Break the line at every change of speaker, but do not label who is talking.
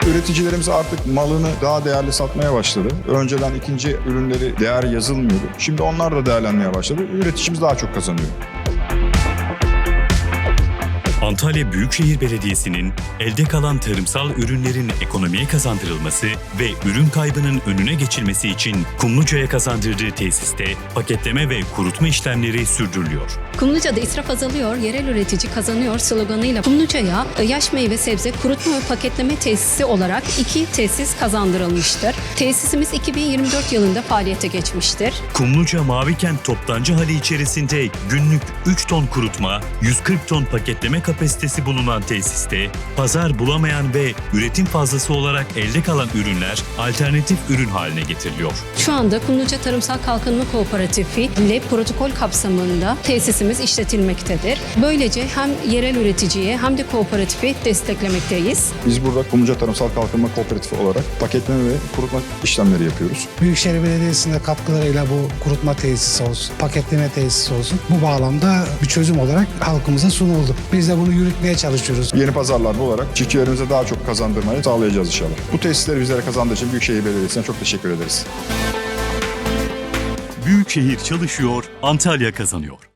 Üreticilerimiz artık malını daha değerli satmaya başladı. Önceden ikinci ürünleri değer yazılmıyordu. Şimdi onlar da değerlenmeye başladı. Üreticimiz daha çok kazanıyor.
Antalya Büyükşehir Belediyesi'nin elde kalan tarımsal ürünlerin ekonomiye kazandırılması ve ürün kaybının önüne geçilmesi için Kumluca'ya kazandırdığı tesiste paketleme ve kurutma işlemleri sürdürülüyor.
Kumluca'da israf azalıyor, yerel üretici kazanıyor sloganıyla Kumluca'ya yaş meyve sebze kurutma ve paketleme tesisi olarak 2 tesis kazandırılmıştır. Tesisimiz 2024 yılında faaliyete geçmiştir.
Kumluca Mavikent Toptancı Hali içerisinde günlük 3 ton kurutma, 140 ton paketleme kapasitesi bulunan tesiste pazar bulamayan ve üretim fazlası olarak elde kalan ürünler alternatif ürün haline getiriliyor.
Şu anda Kumluca Tarımsal Kalkınma Kooperatifi ile protokol kapsamında tesisimiz işletilmektedir. Böylece hem yerel üreticiye hem de kooperatifi desteklemekteyiz.
Biz burada Kumluca Tarımsal Kalkınma Kooperatifi olarak paketleme ve kurutma işlemleri yapıyoruz.
Büyükşehir Belediyesi'nin de katkılarıyla bu kurutma tesisi olsun, paketleme tesisi olsun bu bağlamda bir çözüm olarak halkımıza sunuldu. Biz de bunu yürütmeye çalışıyoruz.
Yeni pazarlar bularak çiftçilerimize daha çok kazandırmayı sağlayacağız inşallah. Bu tesisleri bizlere kazandığı için Büyükşehir Belediyesi'ne çok teşekkür ederiz.
Büyükşehir çalışıyor, Antalya kazanıyor.